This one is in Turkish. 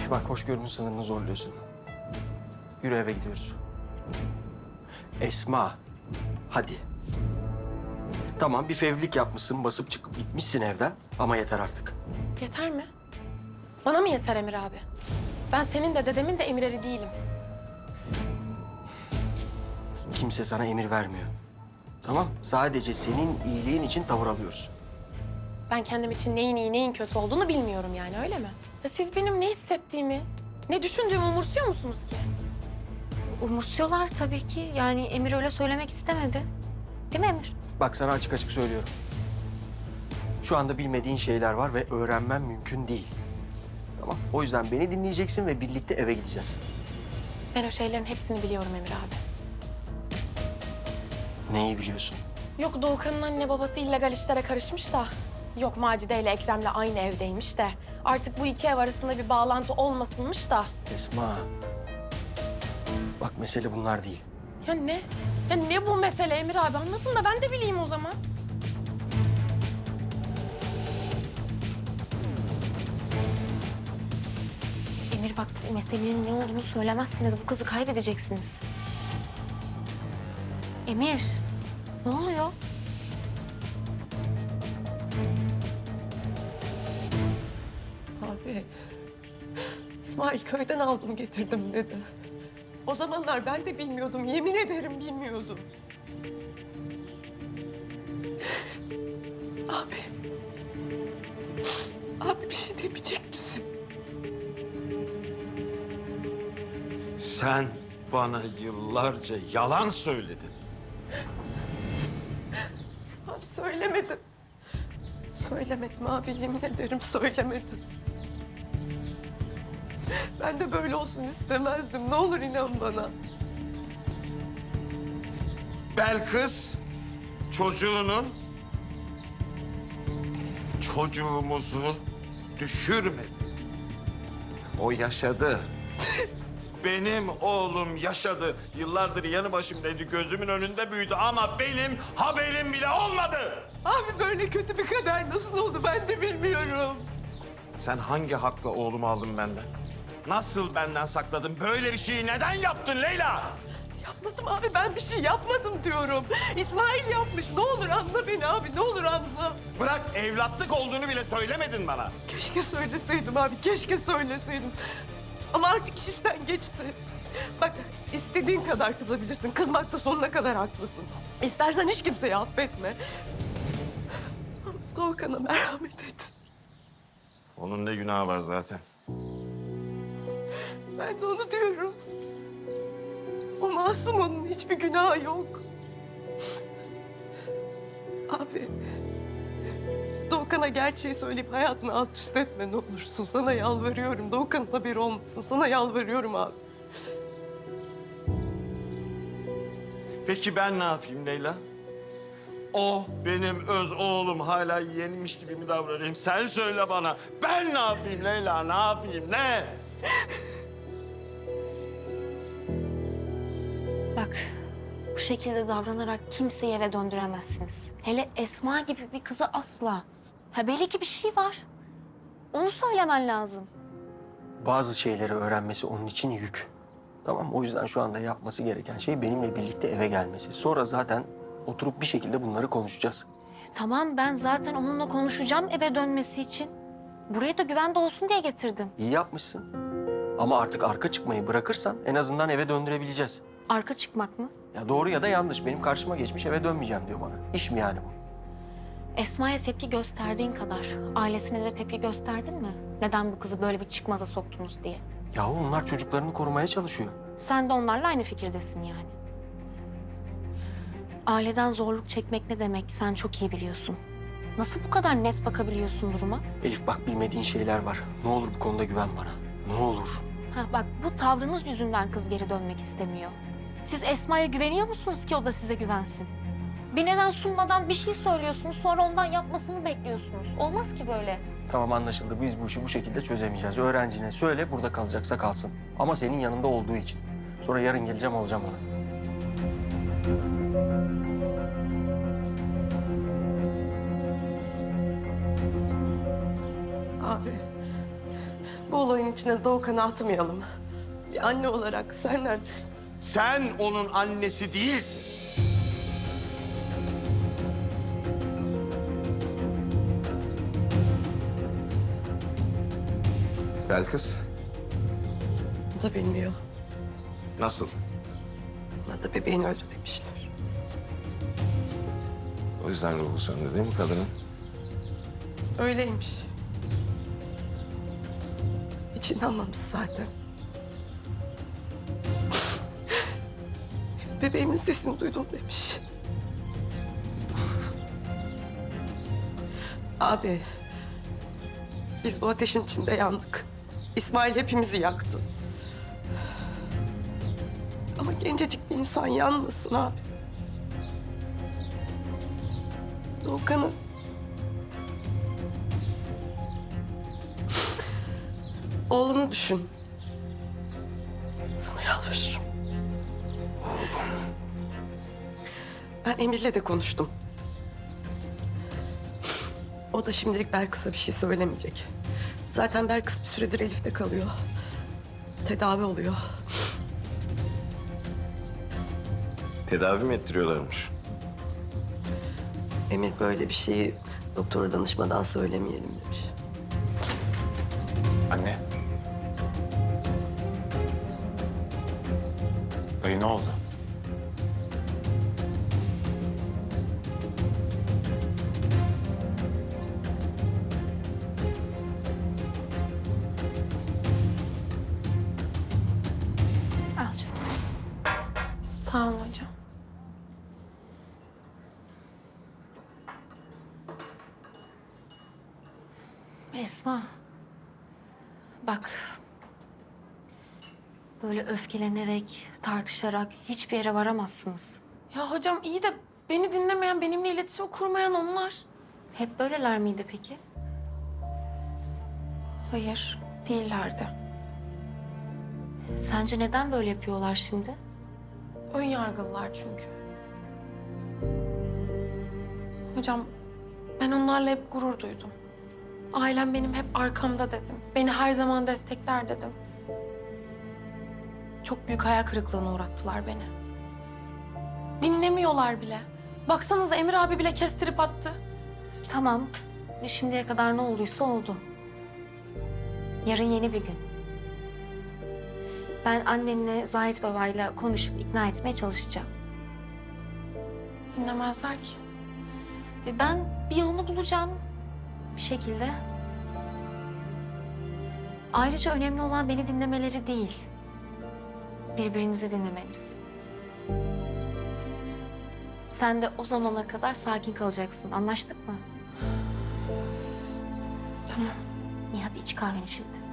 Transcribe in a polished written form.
bak hoşgörünün sınırını zorluyorsun. Yürü eve gidiyoruz. Esma, hadi. Tamam bir fevrilik yapmışsın, basıp çıkıp gitmişsin evden ama yeter artık. Yeter mi? Bana mı yeter Emir abi? Ben senin de dedemin de emirleri değilim. Kimse sana emir vermiyor. Tamam, sadece senin iyiliğin için tavır alıyoruz. Ben kendim için neyin iyi, neyin kötü olduğunu bilmiyorum yani, öyle mi? Ya siz benim ne hissettiğimi, ne düşündüğümü umursuyor musunuz ki? Umursuyorlar tabii ki. Yani Emir öyle söylemek istemedi. Değil mi Emir? Bak sana açık açık söylüyorum. Şu anda bilmediğin şeyler var ve öğrenmen mümkün değil. Tamam, o yüzden beni dinleyeceksin ve birlikte eve gideceğiz. Ben o şeylerin hepsini biliyorum Emir abi. Neyi biliyorsun? Yok Doğukan'ın anne babası illegal işlere karışmış da. Yok Macide ile Ekrem'le aynı evdeymiş de. Artık bu iki ev arasında bir bağlantı olmasınmış da. Esma. Bak mesele bunlar değil. Ya ne? Ya ne bu mesele Emir abi? Anlatın da ben de bileyim o zaman. Emir bak meselenin ne olduğunu söylemezseniz bu kızı kaybedeceksiniz. Emir, ne oluyor? Abi, İsmail köyden aldım getirdim dedi. O zamanlar ben de bilmiyordum, yemin ederim bilmiyordum. Abi, abi bir şey demeyecek misin? Sen bana yıllarca yalan söyledin. Abi söylemedim. Söylemedim abi, yemin ederim söylemedim. Ben de böyle olsun istemezdim. Ne olur inan bana. Belkıs çocuğumuzu düşürmedi. O yaşadı. Benim oğlum yaşadı. Yıllardır yanı başımdaydı, gözümün önünde büyüdü ama benim haberim bile olmadı. Abi böyle kötü bir kader nasıl oldu ben de bilmiyorum. Sen hangi hakla oğlumu aldın benden? Nasıl benden sakladın? Böyle bir şeyi neden yaptın Leyla? Yapmadım abi, ben bir şey yapmadım diyorum. İsmail yapmış. Ne olur anla beni abi, ne olur anla. Bırak evlatlık olduğunu bile söylemedin bana. Keşke söyleseydim abi, keşke söyleseydim. Ama artık iş işten geçti. Bak istediğin kadar kızabilirsin. Kızmakta sonuna kadar haklısın. İstersen hiç kimseyi affetme. Ama Doğukan'a merhamet et. Onun ne günahı var zaten? Ben de onu diyorum. O masum, onun hiçbir günahı yok. Abi, Doğukan'a gerçeği söyleyip hayatını alt üst etme ne olursun. Sana yalvarıyorum. Doğukan'ın haberi olmasın. Sana yalvarıyorum abi. Peki ben ne yapayım Leyla? O benim öz oğlum, hala yeğenmiş gibi mi davranayım? Sen söyle bana. Ben ne yapayım Leyla? Ne yapayım? Ne? Bak, bu şekilde davranarak kimseyi eve döndüremezsiniz. Hele Esma gibi bir kızı asla. Ha belli ki bir şey var. Onu söylemen lazım. Bazı şeyleri öğrenmesi onun için yük. Tamam, o yüzden şu anda yapması gereken şey benimle birlikte eve gelmesi. Sonra zaten oturup bir şekilde bunları konuşacağız. Tamam ben zaten onunla konuşacağım eve dönmesi için. Buraya da güvende olsun diye getirdim. İyi yapmışsın. Ama artık arka çıkmayı bırakırsan en azından eve döndürebileceğiz. Arka çıkmak mı? Ya doğru ya da yanlış. Benim karşıma geçmiş, eve dönmeyeceğim diyor bana. İş mi yani bu? Esma'ya tepki gösterdiğin kadar ailesine de tepki gösterdin mi? Neden bu kızı böyle bir çıkmaza soktunuz diye. Yahu onlar çocuklarını korumaya çalışıyor. Sen de onlarla aynı fikirdesin yani. Aileden zorluk çekmek ne demek sen çok iyi biliyorsun. Nasıl bu kadar net bakabiliyorsun duruma? Elif bak bilmediğin şeyler var. Ne olur bu konuda güven bana. Ne olur. Ha bak bu tavrınız yüzünden kız geri dönmek istemiyor. Siz Esma'ya güveniyor musunuz ki o da size güvensin? Bir neden sunmadan bir şey söylüyorsunuz sonra ondan yapmasını bekliyorsunuz. Olmaz ki böyle. Tamam anlaşıldı. Biz bu işi bu şekilde çözemeyeceğiz. Öğrencine söyle burada kalacaksa kalsın. Ama senin yanında olduğu için. Sonra yarın geleceğim alacağım onu. Abi, bu olayın içine Doğukan'ı atmayalım. Bir anne olarak senden... Sen onun annesi değilsin. Belkıs, O da bilmiyor. nasıl? Ona da bebeğin öldü demişler. O yüzden ruhu söndü değil mi kadının? Öyleymiş. Hiç inanmamış zaten. Bebeğimin sesini duydum demiş. Abi, biz bu ateşin içinde yandık. İsmail hepimizi yaktı. Ama gencecik bir insan yanmasın abi. Doğukan'ı... Oğlunu düşün. Sana yalvarırım. Ben Emir'le de konuştum. O da şimdilik Belkıs'a bir şey söylemeyecek. Zaten Belkıs bir süredir Elif'te kalıyor. Tedavi oluyor. Tedavi mi ettiriyorlarmış? Emir böyle bir şeyi doktora danışmadan söylemeyelim demiş. Anne. Dayı ne oldu? Al canım. Sağ olun hocam. Esma. Bak. Böyle öfkelenerek, tartışarak hiçbir yere varamazsınız. Ya hocam iyi de beni dinlemeyen, benimle iletişim kurmayan onlar. Hep böyleler miydi peki? Hayır, değillerdi. Sence neden böyle yapıyorlar şimdi? Ön yargılılar çünkü. Hocam, ben onlarla hep gurur duydum. Ailem benim hep arkamda dedim. Beni her zaman destekler dedim. Çok büyük hayal kırıklığına uğrattılar beni. Dinlemiyorlar bile. Baksanıza Emir abi bile kestirip attı. Tamam. Şimdiye kadar ne olduysa oldu. Yarın yeni bir gün. Ben annenle Zahit babayla konuşup ikna etmeye çalışacağım. Dinlemezler ki. Ve ben bir yolunu bulacağım bir şekilde. Ayrıca önemli olan beni dinlemeleri değil. Birbirinizi dinlemeniz. Sen de o zamana kadar sakin kalacaksın. Anlaştık mı? Tamam. İyi hadi iç kahveni şimdi.